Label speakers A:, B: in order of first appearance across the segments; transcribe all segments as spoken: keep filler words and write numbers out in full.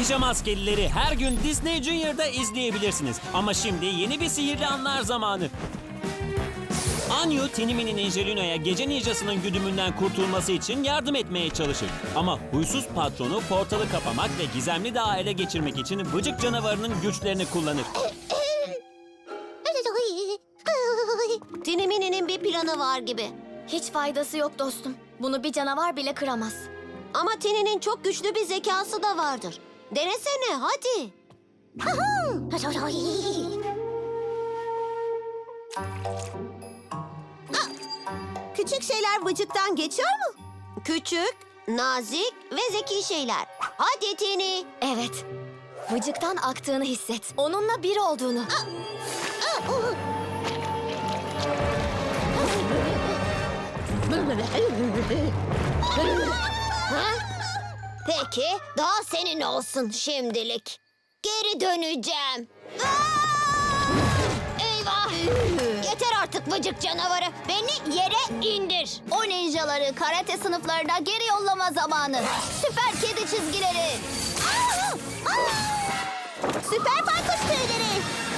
A: Pijama Askerileri her gün Disney Junior'da izleyebilirsiniz. Ama şimdi yeni bir sihirli anlar zamanı. Anyu, Tinimi'nin Angelino'ya gece ninjasının güdümünden kurtulması için yardım etmeye çalışır. Ama huysuz patronu portalı kapamak ve gizemli dağı ele geçirmek için bıcık canavarının güçlerini kullanır.
B: Tinimi'nin bir planı var gibi.
C: Hiç faydası yok dostum. Bunu bir canavar bile kıramaz.
B: Ama Tini'nin çok güçlü bir zekası da vardır. Denesene hadi. Küçük şeyler vıcıktan geçiyor mu? Küçük, nazik ve zeki şeyler. Hadi Tini.
C: Evet. Vıcıktan aktığını hisset. Onunla bir olduğunu.
B: Peki, daha senin olsun şimdilik. Geri döneceğim. Eyvah! Yeter artık vıcık canavarı. Beni yere indir. O ninjaları karate sınıflarına geri yollama zamanı. Süper kedi çizgileri. Süper baykuş tüyleri.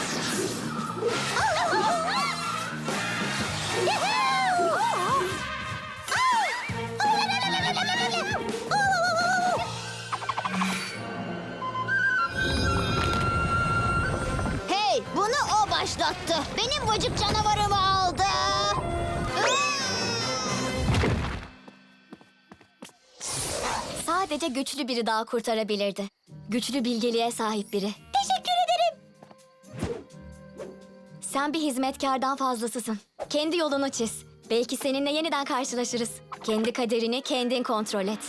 B: Hey, bunu o başlattı. Benim vıcık canavarımı aldı.
C: Sadece güçlü biri daha kurtarabilirdi. Güçlü bilgeliğe sahip biri.
B: Teşekkür ederim.
C: Sen bir hizmetkardan fazlasısın. Kendi yolunu çiz. Belki seninle yeniden karşılaşırız. Kendi kaderini kendin kontrol et.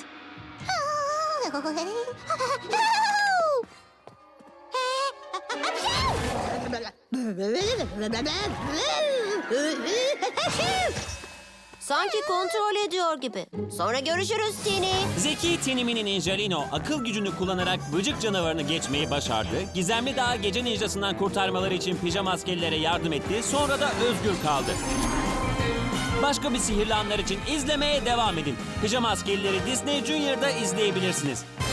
B: Sanki kontrol ediyor gibi. Sonra görüşürüz Tini.
A: Zeki Tinimi'nin Angelino akıl gücünü kullanarak bıcık canavarını geçmeyi başardı. Gizemli Dağ gece ninjasından kurtarmaları için pijama askerlere yardım etti. Sonra da özgür kaldı. Başka bir sihirli anlar için izlemeye devam edin. Pijama Askerleri Disney Junior'da izleyebilirsiniz.